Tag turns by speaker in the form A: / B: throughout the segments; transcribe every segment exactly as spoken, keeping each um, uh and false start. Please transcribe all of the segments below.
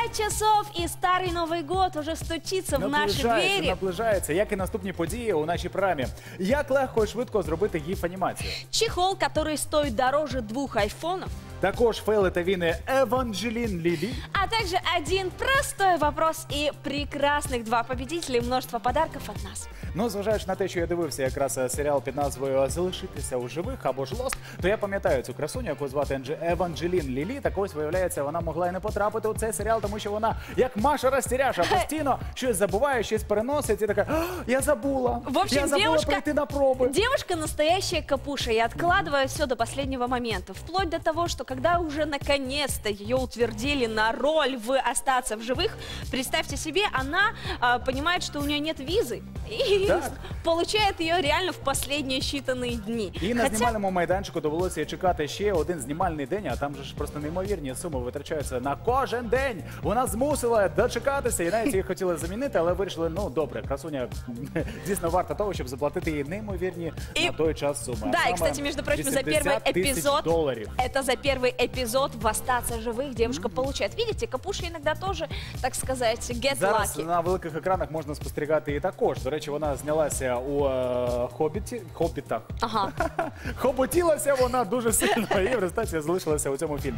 A: Пять часов и Старый Новый год уже стучиться в наші двері.
B: Наближається, як і наступні події у нашій програмі. Як легко і швидко зробити гіф-анімацію?
A: Чехол, который стоит дороже двух айфонов.
B: Також фейли та віни Еванджелін Лілі.
A: А также один простой вопрос и прекрасных два победителя и множество подарков от нас.
B: Ну, зважаючи на те, що я дивився якраз серіал під назвою «Залишитися у живих» або ж «Лост», то я пам'ятаю цю красуню, яку звати Еванджелін Лілі. Так ось, виявляється, вона могла і не потрапити у цей серіал, тому що вона, як Маша Розтіряша, постійно щось забуває, щось переносить і така: «Я забула,
A: в общем,
B: я забула
A: девушка,
B: прийти на проби».
A: Девушка настоящая капуша и откладывает все до последнего момента. Вплоть до того, что когда уже наконец-то ее утвердили на роль в «Остаться в живых», представьте себе, она а, понимает, что у нее нет визы. И
B: так.
A: Получает ее реально в последние считанные дни.
B: І на
A: Хотя...
B: знімальному майданчику довелося чекати ще один знімальний день, а там же ж просто неймовірні суми витрачаються на кожен день. Вона змусила дочекатися, і навіть її хотіли замінити, але вирішили: ну добре, красуня дійсно варта того, щоб заплатити їй неймовірні
A: и...
B: на той час суми.
A: Да, и, кстати, между прочим, за первый эпизод,
B: долларов.
A: Это за первый эпизод в «Остаться живых» девушка mm-hmm. получает. Видите, капуши иногда тоже, так сказать, get
B: Зараз
A: lucky.
B: На великих екранах можна спостерігати і також. До речі, вона знялася у е, «Хобіті», «Хобітах».
A: Ага.
B: Хоботілася вона дуже сильно, і в результаті залишилася у цьому фільмі.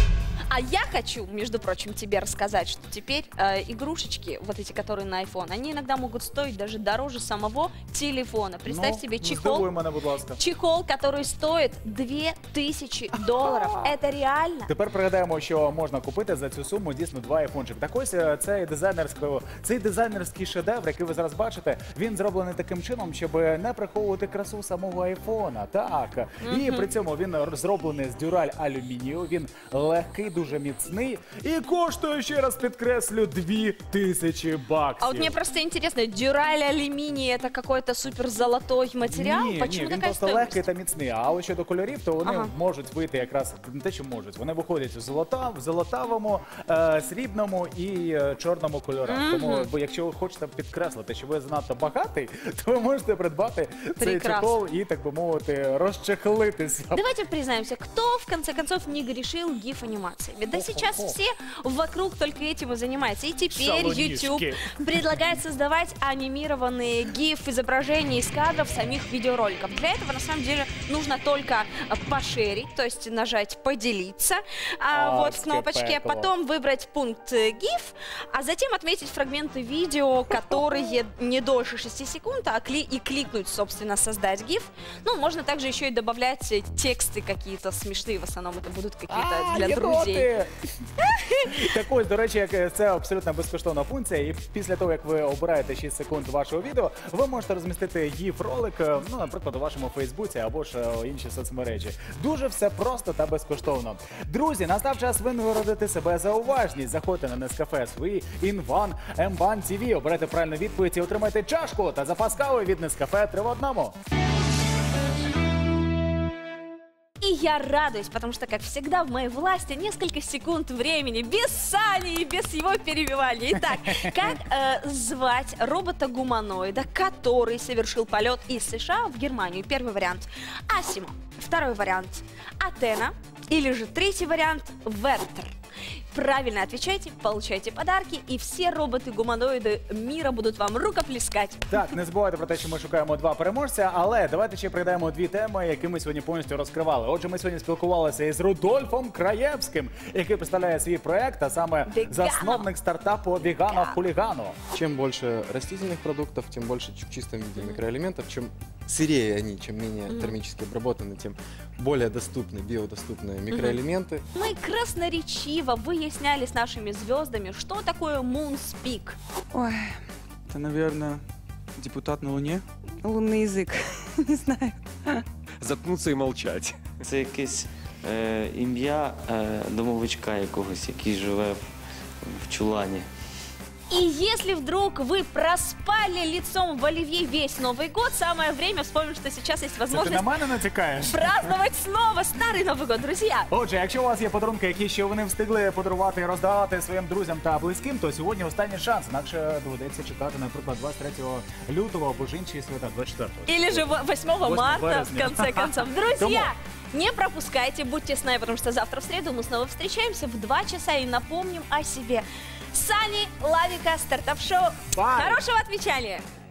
A: А я хочу, между прочим, тебе рассказать, что теперь э, игрушечки, вот эти, которые на iPhone, они иногда могут стоить даже дороже самого телефона. Представь
B: ну,
A: себе чехол,
B: мене, будь ласка.
A: чехол, который стоит две тысячи долларов. Это реально?
B: Тепер пригадаємо, що можна купити за цю суму дійсно два айфончик. Так ось цей дизайнерський, цей дизайнерський шедевр, який ви зараз бачите, він зроблений таким чином, щоб не приховувати красу самого айфона. Так. Mm-hmm. І при цьому він зроблений з дюраль алюмінію, він легкий, дуже міцний і коштує, ще раз підкреслю, дві тисячі баксів.
A: А вот мне просто интересно, дюраль алюминий это какой-то супер золотой материал?
B: Ні,
A: Почему
B: ні, він
A: такая
B: просто
A: стоимость?
B: легкий та міцний. А ось щодо кольорів, то вони
A: ага.
B: можуть вийти якраз, не те, що можуть, вони виходять в, золота, в золотавому, е, срібному і е, чорному кольорах. Mm-hmm. Тому, бо якщо ви хочете підкреслити, що ви занадто багатий, то ви можете придбати цей чехол і, так би мовити, розчехлитися.
A: Давайте признаемся, кто в конце концов не грешил гиф-анимациями? Да сейчас все вокруг только этим и занимаются. И теперь YouTube предлагает создавать анимированные гиф-изображения из кадров самих видеороликов. Для этого, на самом деле, нужно только пошерить, то есть нажать «Поделиться» а, вот в кнопочке, пекло. Потом выбрать пункт «гиф», а затем отметить фрагменты видео, которые не дольше шести секунд, а кли и кликнуть, собственно, «Создать гиф». Ну, можно также еще и добавлять тексты какие-то смешные, в основном это будут какие-то для друзей.
B: Так ось, до речі, це абсолютно безкоштовна функція, і після того, як ви обираєте шість секунд вашого відео, ви можете розмістити гіф-ролик, ну, наприклад, у вашому Фейсбуці або ж інші соцмережі. Дуже все просто та безкоштовно. Друзі, настав час винагородити себе за уважність. Заходьте на Нескафе свої Інван Ембан ті ві, обирайте правильну відповідь і отримайте чашку та запас кави від Нескафе три в одному.
A: И я радуюсь, потому что, как всегда, в моей власти несколько секунд времени без Сани и без его перебивания. Итак, как э, звать робота-гуманоида, который совершил полет из США в Германию? Первый вариант – Асимо. Второй вариант – Атена. Или же третий вариант – Вертер. Правильно отвечайте, получайте подарки, і всі роботи-гуманоїди міра будуть вам рукоплескати.
B: Так, не забувайте про те, що ми шукаємо два переможця, але давайте ще пригадаємо дві теми, які ми сьогодні повністю розкривали. Отже, ми сьогодні спілкувалися із Рудольфом Краєвським, який представляє свій проект, а саме
A: Вегано.
B: засновник стартапу Вегано Хулигано.
C: Чем больше растительных продуктов, тем больше в чистом виде микроэлементов, чем сырее они, чем менее mm-hmm. термически обработаны, тем более доступны, биодоступные микроэлементы.
A: Mm-hmm. Мы красноречиво выясняли с нашими звездами, что такое Moonspeak.
D: Ой, это, наверное, депутат на Луне.
E: Лунный язык, не знаю.
F: Заткнуться і мовчать.
G: Це якесь е, ім'я е, домовичка якогось, який живе в, в чулані.
A: И если вдруг вы проспали лицом в оливье весь Новый год, самое время вспомнить, что сейчас есть возможность
B: Ти на мене натякаєш?
A: праздновать снова Старый Новый год, друзья.
B: Отже, якщо у вас є подарунки, які ще вони встигли подарувати і роздавати своїм друзям та близьким, то сьогодні останній шанс. Інакше доведеться чекати, наприклад, двадцять третього лютого або ж інші свята, двадцять четвертого.
A: Или же восьмого марта, в конце концов. Друзья, не пропускайте, будьте с нами, потому что завтра в среду мы снова встречаемся в два часа и напомним о себе. Сани Лавика, стартап-шоу.
B: Bye.
A: Хорошего отвечания!